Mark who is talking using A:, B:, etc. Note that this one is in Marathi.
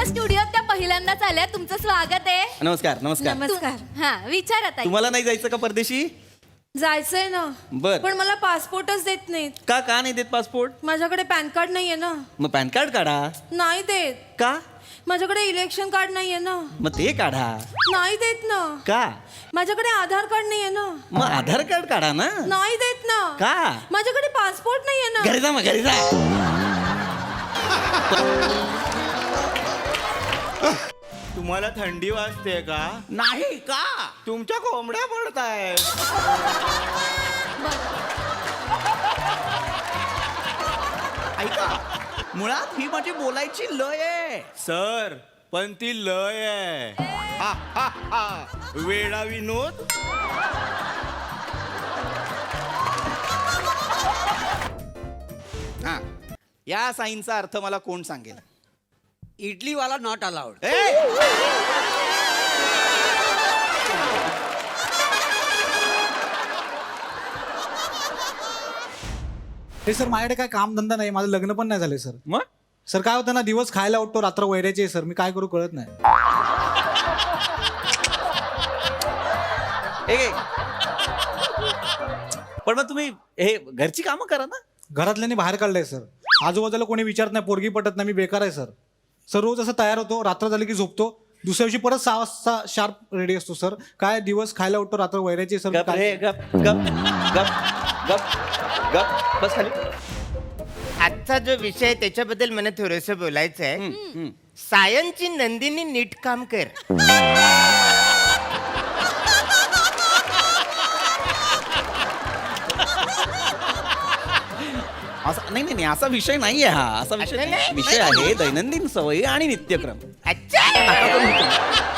A: स्टुडिओत त्या पहिल्यांदाच आल्या. तुमचं स्वागत आहे.
B: नमस्कार नमस्कार.
C: नमस्कार.
A: हा विचारा ताई.
B: तुम्हाला नाही जायचं का परदेशी?
C: जायचंय ना.
B: बर.
C: पण मला पासपोर्टच देत नाहीत.
B: का नाही देत पासपोर्ट?
C: माझ्याकडे पॅन कार्ड नाहीये ना.
B: मग पॅन कार्ड काढा.
C: नाही देत.
B: का?
C: माझ्याकडे इलेक्शन कार्ड नाहीये ना.
B: मग ते काढा.
C: नाही देत ना.
B: का?
C: माझ्याकडे आधार कार्ड नाहीये ना.
B: मग आधार कार्ड काढा ना.
C: नाही देत ना.
B: का?
C: माझ्याकडे पासपोर्ट नाहीये ना.
B: घरी जा मग घरी जा.
D: तुम्हाला थंडी वाजते का?
B: नाही का?
D: तुमच्या कोंबड्या पडताय.
B: ऐका, मुळात ही माझी बोलायची लय आहे.
D: सर पण ती लय आहे. हा, हा, हा. वेडा विनोद.
B: हा, या साईनचा अर्थ मला कोण सांगेल?
E: इडलीवाला नॉट अलाउड.
F: हे सर माझ्याकडे काय काम धंदा नाही, माझं लग्न पण नाही झालंय सर.
B: मग
F: सर काय होतं ना, दिवस खायला उठतो, रात्र वैरायचे आहे सर. मी काय करू कळत नाही.
B: ए, पण मग तुम्ही हे घरची कामं करा ना.
F: घरातल्यानी बाहेर काढलंय सर. आजूबाजूला कोणी विचारत नाही, पोरगी पटत नाही, मी बेकार आहे सर. सर रोज असं तयार होतो, रात्र झाली की झोपतो, दुसऱ्या दिवशी परत 6 वाजता शार्प रेडी असतो सर. काय दिवस खायला उठतो, रात्र वैरायचे सर.
B: गप रे, गप गप गप गप गप बस खाली.
G: आजचा जो विषय आहे त्याच्याबद्दल मला थोडस बोलायचं आहे. सायनची नंदिनी नीट काम कर.
B: नाही असा विषय नाहीये हा. असा विषय
G: अच्छा, नाही?
B: विषय आहे दैनंदिन सवयी आणि नित्यक्रम.
G: अच्छा.
B: नका करू.